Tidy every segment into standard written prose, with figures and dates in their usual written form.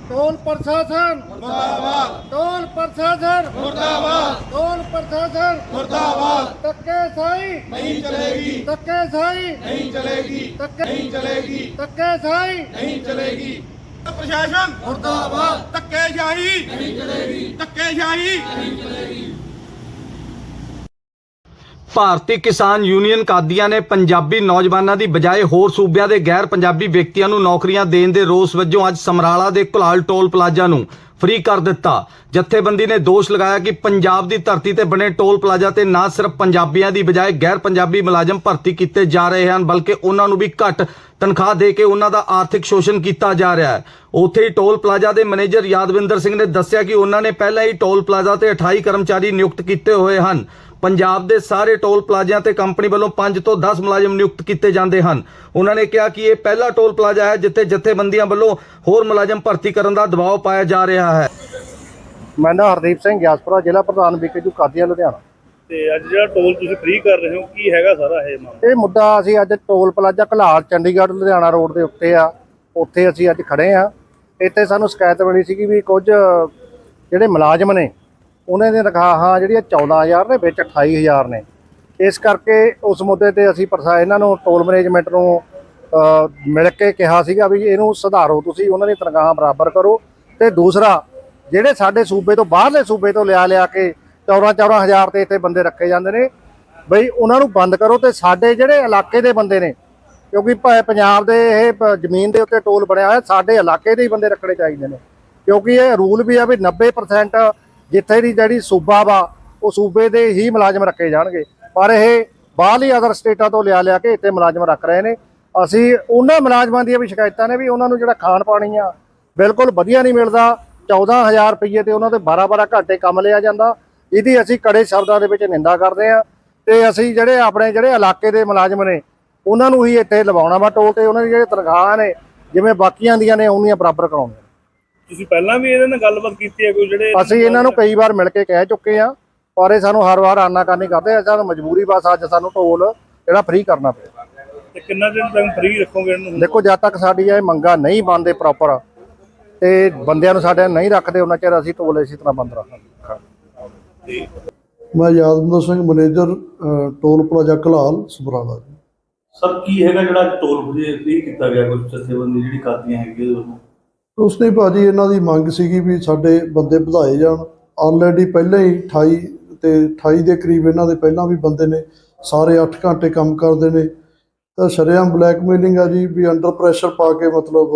Toll प्रशासन मुर्दाबाद, toll प्रशासन मुर्दाबाद, टोल प्रशासन मुर्दाबाद। धक्केशाही नहीं चलेगी, धक्केशाही नहीं चलेगी, नहीं चलेगी, धक्केशाही नहीं चलेगी। प्रशासन मुर्दाबाद, धक्केशाही नहीं चलेगी, धक्केशाही नहीं चलेगी। ਭਾਰਤੀ ਕਿਸਾਨ ਯੂਨੀਅਨ ਕਾਦੀਆਂ ਨੇ ਪੰਜਾਬੀ ਨੌਜਵਾਨਾਂ ਦੀ ਬਜਾਏ ਹੋਰ ਸੂਬਿਆਂ ਦੇ ਗੈਰ ਪੰਜਾਬੀ ਵਿਅਕਤੀਆਂ ਨੂੰ ਨੌਕਰੀਆਂ ਦੇਣ ਦੇ ਰੋਸ ਵਜੋਂ ਅੱਜ ਸਮਰਾਲਾ ਦੇ ਘੁਲਾਲ ਟੋਲ ਪਲਾਜ਼ਾ ਨੂੰ ਫ੍ਰੀ ਕਰ ਦਿੱਤਾ। ਜਥੇਬੰਦੀ ਨੇ ਦੋਸ਼ ਲਗਾਇਆ ਕਿ ਪੰਜਾਬ ਦੀ ਧਰਤੀ ਤੇ ਬਣੇ ਟੋਲ ਪਲਾਜ਼ਾ ਤੇ ਨਾ ਸਿਰਫ ਪੰਜਾਬੀਆਂ ਦੀ ਬਜਾਏ ਗੈਰ ਪੰਜਾਬੀ ਮੁਲਾਜ਼ਮ ਭਰਤੀ ਕੀਤੇ ਜਾ ਰਹੇ ਹਨ, ਬਲਕਿ ਉਹਨਾਂ ਨੂੰ ਵੀ ਘੱਟ ਤਨਖਾਹ ਦੇ ਕੇ ਉਹਨਾਂ ਦਾ ਆਰਥਿਕ ਸ਼ੋਸ਼ਣ ਕੀਤਾ ਜਾ ਰਿਹਾ ਹੈ। ਉੱਥੇ ਹੀ ਟੋਲ ਪਲਾਜ਼ਾ ਦੇ ਮੈਨੇਜਰ ਯਾਦਵਿੰਦਰ ਸਿੰਘ ਨੇ ਦੱਸਿਆ ਕਿ ਉਹਨਾਂ ਨੇ ਪਹਿਲਾਂ ਹੀ ਟੋਲ ਪਲਾਜ਼ਾ ਤੇ 28 ਕਰਮਚਾਰੀ ਨਿਯੁਕਤ ਕੀਤੇ ਹੋਏ ਹਨ। ਪੰਜਾਬ ਦੇ ਸਾਰੇ ਟੋਲ ਪਲਾਜ਼ਿਆਂ ਤੇ ਕੰਪਨੀ ਵੱਲੋਂ 5 ਤੋਂ 10 ਮੁਲਾਜ਼ਮ ਨਿਯੁਕਤ ਕੀਤੇ ਜਾਂਦੇ ਹਨ। ਉਹਨਾਂ ਨੇ ਕਿਹਾ ਕਿ ਇਹ ਪਹਿਲਾ ਟੋਲ ਪਲਾਜ਼ਾ ਹੈ ਜਿੱਥੇ ਜਥੇਬੰਦੀਆਂ ਵੱਲੋਂ ਹੋਰ ਮੁਲਾਜ਼ਮ ਭਰਤੀ ਕਰਨ ਦਾ ਦਬਾਅ ਪਾਇਆ ਜਾ ਰਿਹਾ ਹੈ। मैं ना हरदीप सिंह ਗਿਆਸਪੁਰਾ ਜ਼ਿਲ੍ਹਾ ਪ੍ਰਧਾਨ ਵਿਕੇਜੂ ਕਾਦੀਆਂ ਲੁਧਿਆਣਾ। ਤੇ ਅੱਜ ਜਿਹੜਾ ਟੋਲ ਤੁਸੀਂ ਫ੍ਰੀ ਕਰ ਰਹੇ ਹੋ ਕੀ ਹੈਗਾ ਸਾਰਾ ਇਹ ਮਾਮਲਾ? ਇਹ ਮੁੱਦਾ ਅਸੀਂ ਅੱਜ toll plaza Ghulal Chandigarh Ludhiana road ਦੇ ਉੱਤੇ ਆ, ਉੱਥੇ ਅਸੀਂ ਅੱਜ ਖੜੇ ਆ। ਇੱਥੇ ਸਾਨੂੰ ਸ਼ਿਕਾਇਤ ਮਿਲੀ ਸੀ ਵੀ ਕੁਝ ਜਿਹੜੇ ਮੁਲਾਜ਼ਮ ਨੇ ਉਹਨਾਂ ਦੀਆਂ ਤਨਖਾਹਾਂ ਜਿਹੜੀਆਂ 14,000 ਨੇ, ਵਿੱਚ 28,000 ਨੇ। ਇਸ ਕਰਕੇ ਉਸ ਮੁੱਦੇ ਤੇ ਅਸੀਂ ਇਹਨਾਂ ਨੂੰ ਟੋਲ ਮੈਨੇਜਮੈਂਟ ਨੂੰ ਮਿਲ ਕੇ ਕਿਹਾ ਸੀਗਾ ਵੀ ਇਹਨੂੰ ਸੁਧਾਰੋ, ਤੁਸੀਂ ਉਹਨਾਂ ਦੀ ਤਨਖਾਹਾਂ ਬਰਾਬਰ ਕਰੋ। ਤੇ ਦੂਸਰਾ ਜਿਹੜੇ ਸਾਡੇ ਸੂਬੇ ਤੋਂ ਬਾਹਰਲੇ ਸੂਬੇ ਤੋਂ ਲਿਆ ਕੇ 14,000 ਤੇ ਇੱਥੇ ਬੰਦੇ ਰੱਖੇ ਜਾਂਦੇ ਨੇ, ਬਈ ਉਹਨਾਂ ਨੂੰ ਬੰਦ ਕਰੋ। ਤੇ ਸਾਡੇ ਜਿਹੜੇ ਇਲਾਕੇ ਦੇ ਬੰਦੇ ਨੇ, ਕਿਉਂਕਿ ਪੰਜਾਬ ਦੇ ਇਹ ਜ਼ਮੀਨ ਦੇ ਉੱਤੇ ਟੋਲ ਬਣਿਆ ਹੋਇਆ, ਸਾਡੇ ਇਲਾਕੇ ਦੇ ਹੀ ਬੰਦੇ ਰੱਖਣੇ ਚਾਹੀਦੇ ਨੇ। ਕਿਉਂਕਿ ਇਹ ਰੂਲ ਵੀ ਆ ਵੀ 90% ਜਿੱਥੇ ਦੀ ਜਿਹੜੀ ਸੂਬਾ ਵਾ ਉਹ ਸੂਬੇ ਦੇ ਹੀ ਮੁਲਾਜ਼ਮ ਰੱਖੇ ਜਾਣਗੇ, ਪਰ ਇਹ ਬਾਹਰਲੀ ਅਦਰ ਸਟੇਟਾਂ ਤੋਂ ਲਿਆ ਕੇ ਇੱਥੇ ਮੁਲਾਜ਼ਮ ਰੱਖ ਰਹੇ ਨੇ। ਅਸੀਂ ਉਹਨਾਂ ਮੁਲਾਜ਼ਮਾਂ ਦੀਆਂ ਵੀ ਸ਼ਿਕਾਇਤਾਂ ਨੇ ਵੀ ਉਹਨਾਂ ਨੂੰ ਜਿਹੜਾ ਖਾਣ ਪਾਣੀ ਆ ਬਿਲਕੁਲ ਵਧੀਆ ਨਹੀਂ ਮਿਲਦਾ। 14,000 ਰੁਪਏ ਤੇ ਉਹਨਾਂ ਦੇ 12-12 ਘੰਟੇ ਕੰਮ ਲਿਆ ਜਾਂਦਾ। ਇਹਦੀ ਅਸੀਂ ਕੜੇ ਸ਼ਬਦਾਂ ਦੇ ਵਿੱਚ ਨਿੰਦਾ ਕਰਦੇ ਹਾਂ। ਤੇ ਅਸੀਂ ਜਿਹੜੇ ਆਪਣੇ ਇਲਾਕੇ ਦੇ ਮੁਲਾਜ਼ਮ ਨੇ ਉਹਨਾਂ ਨੂੰ ਹੀ ਇੱਥੇ ਲਵਾਉਣਾ ਵਾ ਟੋਲ ਤੇ। ਉਹਨਾਂ ਦੀ ਜਿਹੜੇ ਤਨਖਾਹਾਂ ਨੇ ਜਿਵੇਂ ਬਾਕੀਆਂ ਦੀਆਂ ਨੇ ਉਹਨੀਆਂ ਬਰਾਬਰ ਕਰਾਉਣੀਆਂ। ਤੁਸੀਂ ਪਹਿਲਾਂ ਵੀ ਇਹਦੇ ਨਾਲ ਗੱਲਬਾਤ ਕੀਤੀ ਹੈ ਕੋਈ ਜਿਹੜੇ? ਅਸੀਂ ਇਹਨਾਂ ਨੂੰ ਕਈ ਵਾਰ ਮਿਲ ਕੇ ਕਹਿ ਚੁੱਕੇ ਆ, ਪਰ ਇਹ ਸਾਨੂੰ ਹਰ ਵਾਰ ਆਨਾਕਾਨੀ ਕਰਦੇ। ਸਾਨੂੰ ਮਜਬੂਰੀ ਬਸ ਅੱਜ ਸਾਨੂੰ ਟੋਲ ਜਿਹੜਾ ਫ੍ਰੀ ਕਰਨਾ ਪਿਆ। ਤੇ ਕਿੰਨਾ ਦਿਨ ਤੱਕ ਫ੍ਰੀ ਰੱਖੋਗੇ ਇਹਨੂੰ? ਦੇਖੋ, ਜਦ ਤੱਕ ਸਾਡੀ ਇਹ ਮੰਗਾਂ ਨਹੀਂ ਬਣਦੇ ਪ੍ਰੋਪਰ ਤੇ ਬੰਦਿਆਂ ਨੂੰ ਸਾਡੇ ਨਹੀਂ ਰੱਖਦੇ, ਉਹਨਾਂ ਚਿਰ ਅਸੀਂ ਟੋਲ ਇਸੇ ਤਰ੍ਹਾਂ ਬੰਦ ਰੱਖਾਂਗੇ। ਮੈਂ Yadvinder Singh, manager toll plaza Ghulal Samrala ji. Sir ਕੀ ਹੈਗਾ ਜਿਹੜਾ ਟੋਲ ਫ੍ਰੀ ਕੀਤਾ ਗਿਆ ਕੁਝ ਜਥੇਬੰਦੀ ਜਿਹੜੀ ਕਾਦੀਆਂ ਹੈਗੀ ਉਹਦੇ ਵੱਲੋਂ? ਉਸ ਨੇ ਭਾਜੀ ਇਹਨਾਂ ਦੀ ਮੰਗ ਸੀਗੀ ਵੀ ਸਾਡੇ ਬੰਦੇ ਵਧਾਏ ਜਾਣ। ਆਲਰੇਡੀ ਪਹਿਲਾਂ ਹੀ 28 ਦੇ ਕਰੀਬ ਇਹਨਾਂ ਦੇ ਪਹਿਲਾਂ ਵੀ ਬੰਦੇ ਨੇ, ਸਾਰੇ 8 ਘੰਟੇ ਕੰਮ ਕਰਦੇ ਨੇ। ਤਾਂ ਸ਼ਰੇਆਮ ਬਲੈਕਮੇਲਿੰਗ ਆ ਜੀ, ਵੀ ਅੰਡਰ ਪ੍ਰੈਸ਼ਰ ਪਾ ਕੇ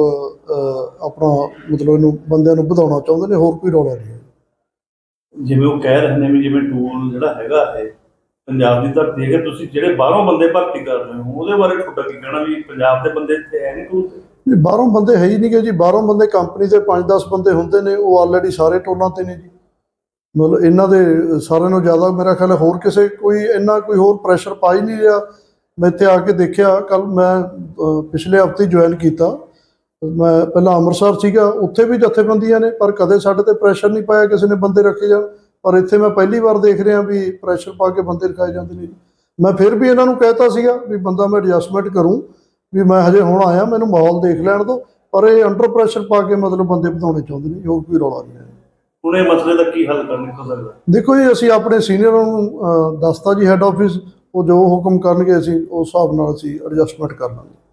ਆਪਣਾ ਇਹਨੂੰ ਬੰਦਿਆਂ ਨੂੰ ਵਧਾਉਣਾ ਚਾਹੁੰਦੇ ਨੇ, ਹੋਰ ਕੋਈ ਰੌਲਾ ਨਹੀਂ ਹੈ। ਜਿਵੇਂ ਉਹ ਕਹਿ ਰਹੇ ਨੇ ਵੀ ਜਿਵੇਂ ਟੋਲ ਜਿਹੜਾ ਹੈਗਾ ਇਹ ਪੰਜਾਬ ਦੀ ਧਰਤੀ ਹੈਗਾ, ਤੁਸੀਂ ਜਿਹੜੇ ਬਾਹਰੋਂ ਬੰਦੇ ਭਰਤੀ ਕਰ ਰਹੇ ਹੋ ਉਹਦੇ ਬਾਰੇ ਤੁਹਾਡਾ ਕੀ ਕਹਿਣਾ ਵੀ ਪੰਜਾਬ ਦੇ ਬੰਦੇ ਇੱਥੇ ਹੈ ਨਹੀਂ ਟੋਲ ਤੇ? ਬਾਹਰੋਂ ਬੰਦੇ ਹੈ ਹੀ ਨਹੀਂ ਗੇ ਜੀ। ਬਾਹਰੋਂ ਬੰਦੇ ਕੰਪਨੀ ਦੇ 5-10 ਬੰਦੇ ਹੁੰਦੇ ਨੇ, ਉਹ ਆਲਰੇਡੀ ਸਾਰੇ ਟੋਲਾਂ ਤੇ ਨੇ ਜੀ। ਇਹਨਾਂ ਦੇ ਸਾਰਿਆਂ ਨੂੰ ਜ਼ਿਆਦਾ ਮੇਰਾ ਖਿਆਲ ਹੋਰ ਕਿਸੇ ਕੋਈ ਹੋਰ ਪ੍ਰੈਸ਼ਰ ਪਾ ਹੀ ਨਹੀਂ ਰਿਹਾ। ਮੈਂ ਇੱਥੇ ਆ ਕੇ ਦੇਖਿਆ, ਕੱਲ ਮੈਂ ਪਿਛਲੇ ਹਫ਼ਤੇ ਜੁਆਇਨ ਕੀਤਾ। ਮੈਂ ਪਹਿਲਾਂ ਅੰਮ੍ਰਿਤਸਰ ਸੀਗਾ, ਉੱਥੇ ਵੀ ਜਥੇਬੰਦੀਆਂ ਨੇ, ਪਰ ਕਦੇ ਸਾਡੇ ਤੇ ਪ੍ਰੈਸ਼ਰ ਨਹੀਂ ਪਾਇਆ ਕਿਸੇ ਨੇ ਬੰਦੇ ਰੱਖੇ ਜਾਣ। ਪਰ ਇੱਥੇ ਮੈਂ ਪਹਿਲੀ ਵਾਰ ਦੇਖ ਰਿਹਾ ਵੀ ਪ੍ਰੈਸ਼ਰ ਪਾ ਕੇ ਬੰਦੇ ਰਖਾਏ ਜਾਂਦੇ ਨੇ ਜੀ। ਮੈਂ ਫਿਰ ਵੀ ਇਹਨਾਂ ਨੂੰ ਕਹਿਤਾ ਸੀਗਾ ਵੀ ਬੰਦਾ ਮੈਂ ਐਡਜਸਟਮੈਂਟ ਕਰੂੰ, ਵੀ ਮੈਂ ਹਜੇ ਹੁਣ ਆਇਆ, ਮੈਨੂੰ ਮਾਹੌਲ ਦੇਖ ਲੈਣ ਦਿਓ। ਪਰ ਇਹ ਅੰਡਰ ਪ੍ਰੈਸ਼ਰ ਪਾ ਕੇ ਬੰਦੇ ਵਧਾਉਣੇ ਚਾਹੁੰਦੇ ਨੇ, ਹੋਰ ਕੋਈ ਰੌਲਾ ਨਹੀਂ ਹੈ। ਹੁਣ ਇਹ ਮਸਲੇ ਦਾ ਕੀ ਹੱਲ ਕਰਨਾ ਚਾਹੀਦਾ? ਦੇਖੋ ਜੀ, ਅਸੀਂ ਆਪਣੇ ਸੀਨੀਅਰਾਂ ਨੂੰ ਦੱਸਤਾ ਜੀ, ਹੈੱਡ ਆਫਿਸ ਉਹ ਜੋ ਹੁਕਮ ਕਰਨਗੇ ਅਸੀਂ ਉਸ ਹਿਸਾਬ ਨਾਲ ਅਸੀਂ ਐਡਜਸਟਮੈਂਟ ਕਰ ਲਾਂਗੇ।